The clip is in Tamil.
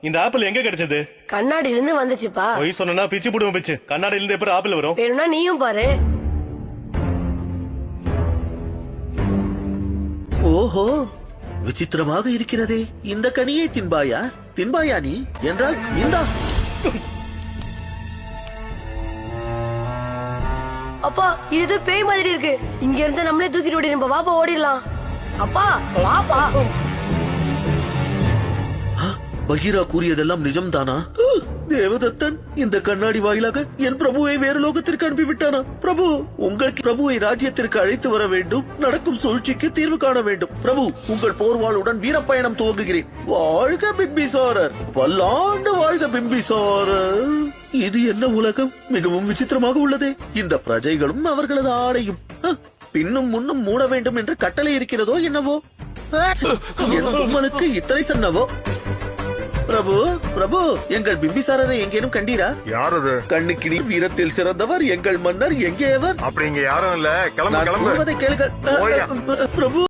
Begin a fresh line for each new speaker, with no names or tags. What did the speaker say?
இந்த ஆப்பிள் எங்க கிடைச்சது?
கண்ணாடில இருந்து வந்துச்சுப்பா.
பொய் சொன்னா பிச்சு போடுவோம் பிச்சு. கண்ணாடியில இருந்து எப்படி ஆப்பிள் வரும்?
வேணும்னா நீயும் பாரு.
ஓஹோ, விசித்திரமாக இருக்கிறதே. இந்த கனியை தின்பாயா? தின்பாயா நீ என்றால் இந்தா.
அப்பா இது பேய் மாதிரி இருக்கு. இங்க இருந்து நம்மளே தூக்கிட்டு ஓடி நம்ம வாப்பா ஓடிடலாம். அப்பா வாப்பா.
பகீரா கூறியதெல்லாம் நிஜம்தானா? தேவதத்தன் இந்த கண்ணாடி வாயிலாக என் பிரபுவை வேறு லோகத்திற்கு அனுப்பிவிட்டானா? பிரபு, உங்களுக்கு பிரபுவை ராஜ்யத்திற்கு அழைத்து வர வேண்டும். நடக்கும் சூழ்ச்சிக்கு தீர்வு காண வேண்டும். பிரபு, உங்கள் போர்வாளுடன் வீரப்பயணம் துவங்குகிறேன். வாழ்க பிம்பிசாரர், பல்லாண்டு வாழ்க பிம்பிசாரர். இது என்ன உலகம்? மிகவும் விசித்திரமாக உள்ளதே. இந்த பிரஜைகளும் அவர்களது ஆடையும் பின்னும் முன்னும் மூட வேண்டும் என்று கட்டளை இருக்கிறதோ என்னவோ? என் பொம்மனுக்கு இத்தனை சொன்னவோ? பிரபு, பிரபு, எங்கள் பிம்பிசாரரை எங்கேனும் கண்டீரா?
யார் அது?
கண்ணுக்கினி வீரத்தில் சிறந்தவர் எங்கள் மன்னர் எங்கே அவர்?
அப்படி இங்க யாரும் இல்ல. கிளம்பு
நான்
கிளம்பு.
கூறுவதை கேளுங்கள்.
போயா.
பிரபு